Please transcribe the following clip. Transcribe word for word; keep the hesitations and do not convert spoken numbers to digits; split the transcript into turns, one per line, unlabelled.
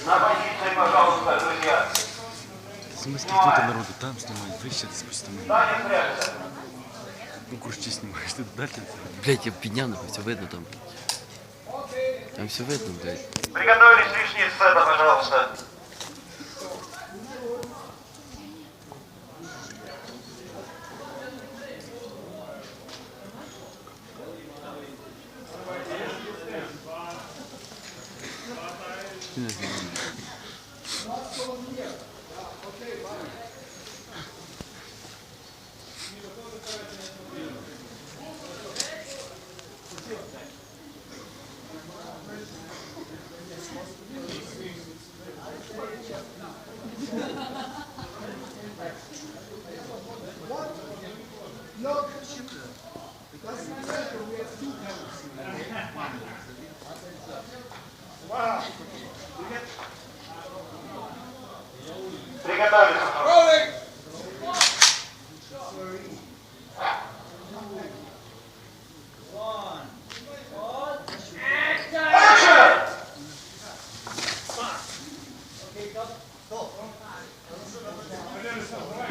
На позиции, пожалуйста, друзья.
В смысле, кто-то народу там снимает, вы сейчас спустим.
Таня, прячься.
Ну, курчи снимаешь, ты дальше.
Блять, я пьяный, все видно там. Там все видно, блядь.
Приготовились лишние сцены, пожалуйста. Приготовились. Action!